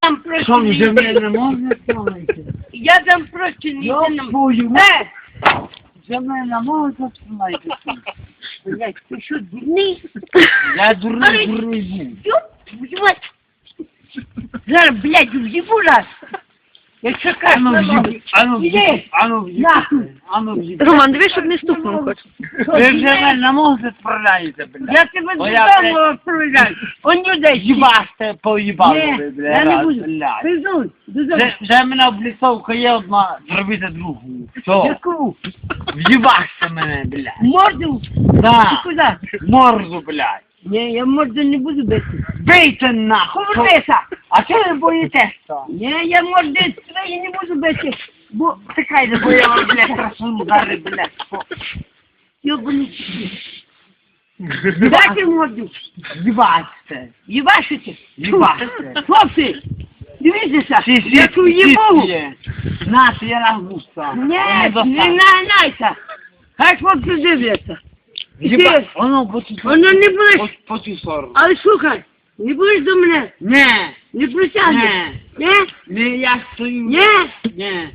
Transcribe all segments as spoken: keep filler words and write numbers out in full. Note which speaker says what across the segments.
Speaker 1: Там просто
Speaker 2: Що,
Speaker 1: не
Speaker 2: вже
Speaker 1: йди.
Speaker 2: мене не можна слухати?
Speaker 1: Я там просто не
Speaker 2: Я
Speaker 1: йду.
Speaker 2: твою
Speaker 1: Е,
Speaker 2: Вже мене не можна слухати.
Speaker 1: блядь, ти що, дурний?
Speaker 2: Я дурний, дурний був.
Speaker 1: Ёб твою мать. Зараз, блядь, в'їбу раз. Я чекаю,
Speaker 2: Ану
Speaker 1: на
Speaker 2: в'їб,
Speaker 1: ноги.
Speaker 2: ану в'їб,
Speaker 1: Іди.
Speaker 2: ану в'їб,
Speaker 1: Нахуй.
Speaker 2: ану в'їб.
Speaker 3: Роман, дивись, щоб не стукнув хоч.
Speaker 2: Ви вже мене не можете справляти, блядь.
Speaker 1: Я тебе
Speaker 2: Бо я,
Speaker 1: додому відправляю. Он людей.
Speaker 2: Їбаште, поїбали
Speaker 1: Ні,
Speaker 2: ви, блядь,
Speaker 1: я не
Speaker 2: раз,
Speaker 1: буду.
Speaker 2: блядь.
Speaker 1: Пиздуй, додому.
Speaker 2: Вже, вже мене обліцовка є одна, зробити другу. Все,
Speaker 1: Яку?
Speaker 2: в'їбаште мене, блядь.
Speaker 1: Морду?
Speaker 2: Да,
Speaker 1: Ти куди?
Speaker 2: морду, блядь.
Speaker 1: Ні, я морду не буду бити.
Speaker 2: Бийте нахуй.
Speaker 1: Повернися.
Speaker 2: А чого ви боїтеся?
Speaker 1: Ні, я морди твої не буду бити. Бо
Speaker 2: Чекайте, бо я вам, блядь, красуну зараз, блядь.
Speaker 1: йобаний. Дайте морду.
Speaker 2: Їбаште.
Speaker 1: Їбашите?
Speaker 2: Їбаште.
Speaker 1: Хлопці, дивіться,
Speaker 2: Сі, сі,
Speaker 1: я ту
Speaker 2: сі,
Speaker 1: їбу.
Speaker 2: сі. На, ти я на густа.
Speaker 1: Ні, не нанайся. Хай хлопці дивляться.
Speaker 2: Їба,
Speaker 1: Ти-
Speaker 2: воно по цю
Speaker 1: Воно не будеш,
Speaker 2: по цю сторону.
Speaker 1: але слухай, не будеш до мене,
Speaker 2: Не,
Speaker 1: не притягнеш.
Speaker 2: не,
Speaker 1: Ні?
Speaker 2: не, я стою.
Speaker 1: Ні?
Speaker 2: Не.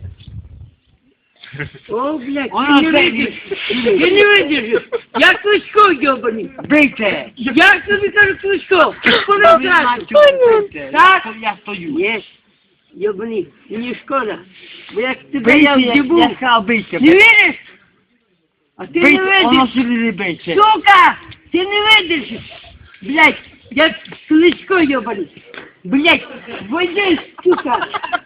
Speaker 1: О, блядь,
Speaker 2: Воно
Speaker 1: ти не
Speaker 2: це-
Speaker 1: видиш. Ти не видиш. Я Кличко, йобаний.
Speaker 2: Бийте.
Speaker 1: Я тобі кажу Кличко. Коли
Speaker 2: Ви
Speaker 1: зразу.
Speaker 2: знаєте, бийте.
Speaker 1: Так?
Speaker 2: Я- Я стою.
Speaker 1: Ні, йобаний, мені шкода. Бо як тебе я
Speaker 2: Бийте, я
Speaker 1: в'їбу.
Speaker 2: я сказав, бийте.
Speaker 1: Не віриш? А ти не
Speaker 2: Бийте, воно
Speaker 1: видиш.
Speaker 2: сюди не бийте.
Speaker 1: Сука! Ти не видиш! Блять, як Кличко йобаний. Блять, вийди, сука!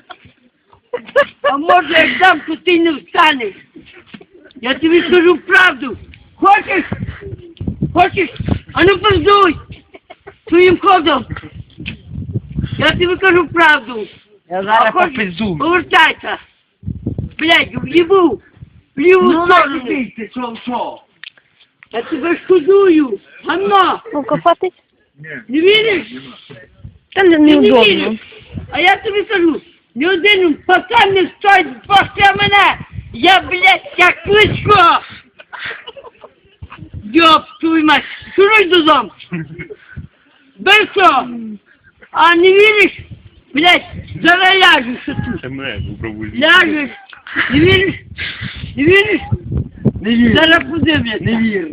Speaker 1: А може як дам, то ти не встанеш. Я тобі скажу правду. Хочеш? Хочеш? А ну пиздуй! Своїм ходом! Я тобі кажу правду.
Speaker 2: Я
Speaker 1: А
Speaker 2: зараз
Speaker 1: хочеш?
Speaker 2: попизду.
Speaker 1: Повертайся! Блять, в'їбу! В ліву
Speaker 2: Ну, не
Speaker 1: сторону!
Speaker 2: бийте, що, що?
Speaker 1: Я тебе шкодую! Ганна!
Speaker 3: Ну-ка, хватить.
Speaker 1: Не віриш?
Speaker 3: Та не,
Speaker 1: Ти не
Speaker 3: неудобно.
Speaker 1: віриш? А я тобі кажу, ні один пацан не стоїть після мене! Я, блядь, як Кличко! Йоп, твою мать! Шуруй додому! Бистро! А не віриш? Блядь, зараз ляжеш тут!
Speaker 4: Це мене попробуй.
Speaker 1: Ляжеш! Не віриш? Не віриш?
Speaker 2: Не вірю.
Speaker 1: Зараз подивляться!
Speaker 2: Не вірю.